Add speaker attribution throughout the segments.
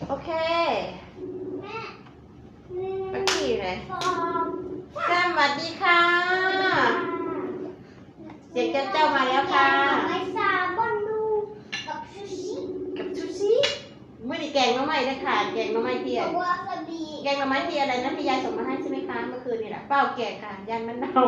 Speaker 1: โอเค
Speaker 2: แม่
Speaker 1: โอเคเลย
Speaker 2: ฟอม
Speaker 1: สวัสดีค่ะเสียงเจ้ามาแล้วค่ะ
Speaker 2: ไม่ซาบอนดูกับซูชิ
Speaker 1: กับชูชิเมื่อนี้แกงน้องไม้นะค่ะแกงน้องไม้เทียน
Speaker 2: วาซาบิ
Speaker 1: แกงน้องไม้เทียนอะไรนะพี่ยายส่งมาให้ใช่ไหมคะเมื่อคืนนี่แหละเป้าแกงค่ะยันมะนาว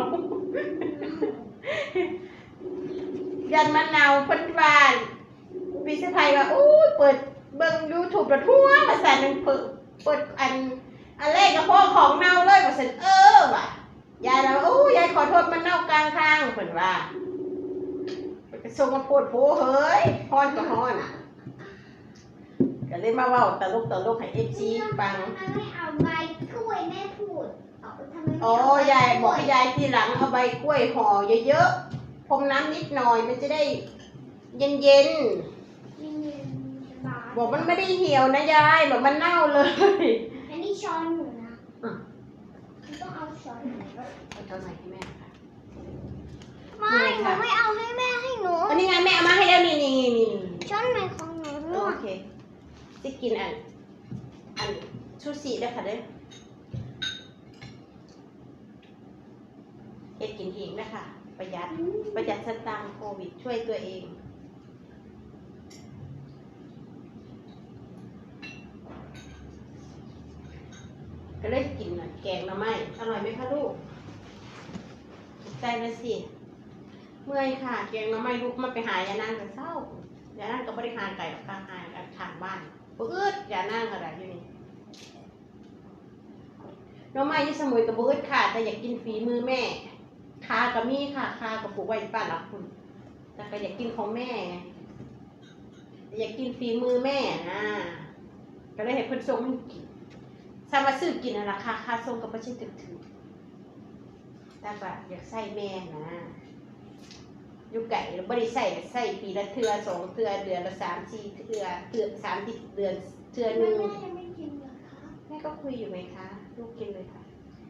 Speaker 1: ยันมะนาวพ้นบานพี่สะพายว่าอู้เปิดเบิ่งยูทูบทั่วภาษาหนึ่งเปิดอันแรกกับพ่อของเน่าเลยว่าสันว่ะยายแล้วอู้ยายขอโทษมันเน่ากลางทางเพิ่นว่าส่งมาพูดโผเฮ้ยฮ้อนก็ฮ้อนก็เลยมาเว้าตลกให้ FC ฟัง
Speaker 2: ทำไมไม่เอาใบกล้วยแม่พูดทำไมไม่
Speaker 1: อ๋อยายบอกให้ยายทีหลังเอาใบกล้วยห่อเยอะๆพรมน้ำนิดหน่อยมันจะได้เย็นๆบอกมันไม่ได้เหี่ยวนะยายบอกมันเน่าเลย
Speaker 2: อันนี้ช้อนหนูนะต้องเอาช้อนหนู
Speaker 1: เอาเท่าไหร่ให้แม่ค่ะ
Speaker 2: ไม่หนูไม่เอาให้แม่ให้หนู
Speaker 1: อันนี้ไงแม่เอามาให้แล้วนี่
Speaker 2: ช้อนใหม่ของหนูด้ว
Speaker 1: โอย เคจะกินอันชูชีได้ค่ะเด้อเฮ็ดกินเองนะคะประหยัดสตางค์โควิดช่วยตัวเองก็เลยกินหน่อยแกงหน่อไม้อร่อยไหมคะลูกใจเลยสิเมื่อยค่ะแกงหน่อไม้ลูกมันไปหายานั่งกันเศร้ายานั่งก็บริหารไก่กับกลางหายกับทางบ้านปื๊ดยานั่งอะไรอยู่นี่หน่อไม้ที่สมุยกับปื๊ดค่ะแต่อยากกินฝีมือแม่คากับมีค่ะคากับปลูกไว้ป้านหลักคุณแต่ก็อยากกินของแม่ไงอยากกินฝีมือแม่นะก็เลยให้เพิ่นส่งให้กินถ้ามาซื้อกินอะไรค่าส่งก็ไม่ใช่ถึงแต่แบบอยากใส่แม่นะอยู่ไก่เราไม่ได้ใส่ปีละเทื่อ2 เทื่อเดือนละ3-4 เทื่อ30 เดือนเทื่อนึง
Speaker 2: แม่ยังไม่กินเหรอคะ
Speaker 1: แม่ก็คุยอยู่ไหมคะลูกกินเลยค่ะ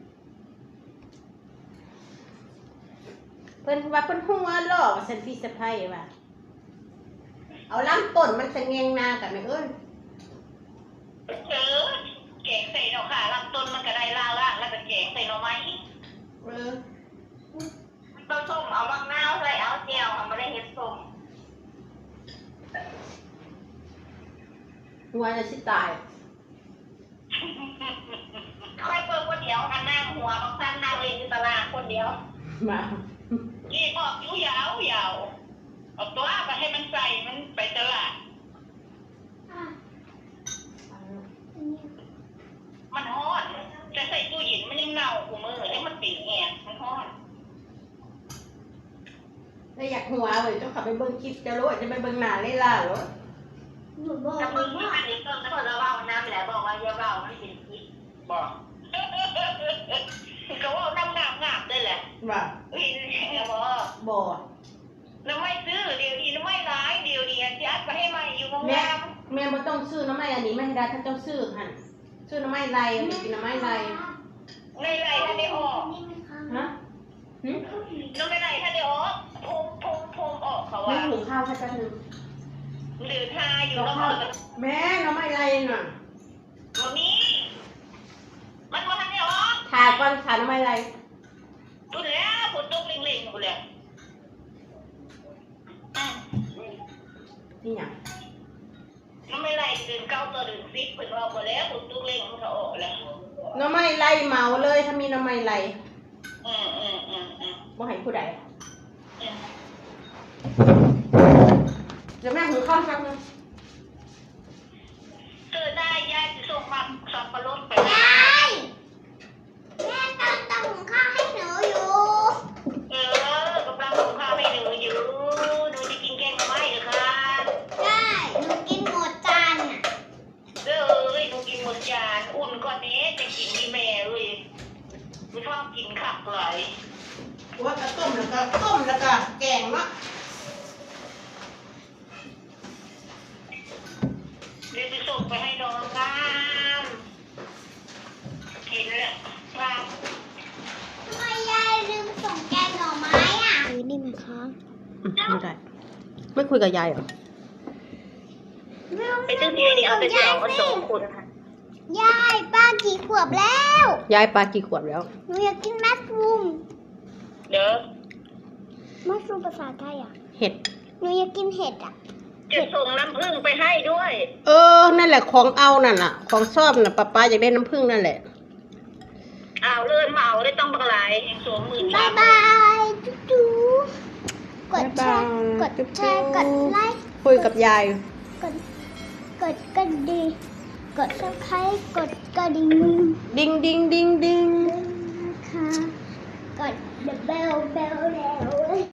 Speaker 1: เพิ่นว่าเพิ่นหัวล่อว่าฉันพี่สะใภ้ว่าเอาลำต้นมันสะแงงนากับแม่เอ้ย
Speaker 3: แกงใส่ดอกค่ะลำต้นมันก็ได้ล่างแล้วก็แกงใส่หน่อไม้ ต้นส้มเอามะนาวใส่เอาเจียวเอามาได้เห็ดส้ม
Speaker 1: หัวจะสิตาย
Speaker 3: ค่อยเปิดคนเดียวค่ะนั่งหัวบางท่านนั่งเล่นอยู่ตลาดคนเดียว
Speaker 1: มา
Speaker 3: นี่ออกอยู่ยาวเอาตัวไปให้มันใส่มันไปตลาด
Speaker 2: อ่ะอันนี้
Speaker 3: มันฮ้อนจะใส่ตู้เย็นมันยังเน่ากูมือให้มันปีกแงมันฮ้อน
Speaker 1: แล้วอยากหัวเลยเจ้าขับไปเบิ่งคลิปจะรู้จะไปเบิ่งหน้าเลยล่ะเหรอ
Speaker 2: หนูบอก
Speaker 3: แต่
Speaker 2: เล
Speaker 3: เพิ่
Speaker 2: ย
Speaker 3: ง
Speaker 2: ว่า
Speaker 3: อันนี้ต้นแล้วเราเล่าน้ำแหละบอกว่าอย่าเล่ามันเป็นพิษบอกก็ว่าน้ำงามได้แหละ
Speaker 1: ว่า
Speaker 3: วินบอก
Speaker 1: บ่
Speaker 3: น้ำไม่ซื้อเดี๋ยวดีน้ำไม่ร้ายเดี๋ยวดีจะอัดไปให้ใหม่อยู่โรงแร
Speaker 1: แม่
Speaker 3: ม
Speaker 1: บ่ต้องซื้อน้ำไม้อันนี้ไม่ให้ได้ถ้าเจ้าซื้อหั่นซื้อน้ำไม้ไรเอาไปกินน้ำไม้ไร
Speaker 3: ในไรถ้าได้ออก
Speaker 2: นี่ไหมคะ
Speaker 1: ฮะหึ
Speaker 3: น้ำไม่ไรถ้าได้ออกพงออกเขา
Speaker 1: แม่
Speaker 3: ว่า
Speaker 1: หุงข้าวให้แป๊บนึง
Speaker 3: หรือทาอยู่
Speaker 1: กับ
Speaker 3: แล้ว
Speaker 1: ข้าว
Speaker 3: มัน
Speaker 1: แม่น้ำไม้ไรน่ะ
Speaker 3: มีมันว่าถ้าได้ออก
Speaker 1: ทาก่อนทาน้ำไม้ไร
Speaker 3: ดูแล้วฝนตกเล็งๆกูเลย
Speaker 1: นี่หยัง
Speaker 3: น้ำไม่ไรเดือน9 ตัวเดือน10เพิ่นออกมาแล้วฝนตกเล็งมันก็ออกแล้ว
Speaker 1: น้ำไม้ไรเหมาเลยถ้ามีน้ำไม้ไร
Speaker 3: อืม
Speaker 1: บ่ให้ผู้ใดเดี๋ยวแม่หุงข้าวสักนึง
Speaker 3: เกิดได้ยายจะส่งมาสับปะรดไป
Speaker 2: ยายแม่ต้องตำหุงข้าวให้หนูอยู่
Speaker 3: กำลังหุงข้าวให้หนูอยู่หนูจะกินแกงกับไม้เหรอคะ
Speaker 2: ได้หนูกินหมดจานน่ะ
Speaker 3: หนูกินหมดจานอุ่นก่อนนี้จะกินมีแม่เลยไม่ชอบกินขับไหล
Speaker 1: ว่าก็ต้มแล้วก็แกงเนาะ
Speaker 3: เดี๋ยวจะส่งไปให้น้องงามเห็นแล้วงาม
Speaker 2: ทำไมยายลืมส่งแกงหน่อไม้อ่ะนี่ไหมคะ
Speaker 1: ไม่ได้ไม่คุยกับยายเหรอ
Speaker 3: ไปซื้อที่นี่เอาไปเจาะกัน2 คนค่ะ
Speaker 2: ยายป้ากี่ขวบแล้ว
Speaker 1: ยายปลากี่ขวบแล้ว
Speaker 2: หนูอยากกินมัสรูม
Speaker 3: เด้อ
Speaker 2: มัสรูมภาษาไทยอ่ะ
Speaker 1: เห็ด
Speaker 2: หนูอยากกินเห็ดอ่ะ
Speaker 3: จะส่งน้ำผึ้งไปให้ด้วย
Speaker 1: นั่นแหละของเอานั่นน่ะ ของชอบน่ะป้าอยากได้น้ำผึ้งนั่นแหละ
Speaker 3: เอาเลื่อนมาเอาได้ต้องบังหลายแห่ง20,000
Speaker 2: บายบายจุ๊บกดแชร์
Speaker 1: บ๊ายบาย
Speaker 2: กดแชร์ กดไลค์
Speaker 1: คุยกับยาย
Speaker 2: กดกระดิ่งกดซับสไครต์กดกระดิ่ง
Speaker 1: ดิงดิงดิงดิง
Speaker 2: นะคะกด the bell bell แล้ว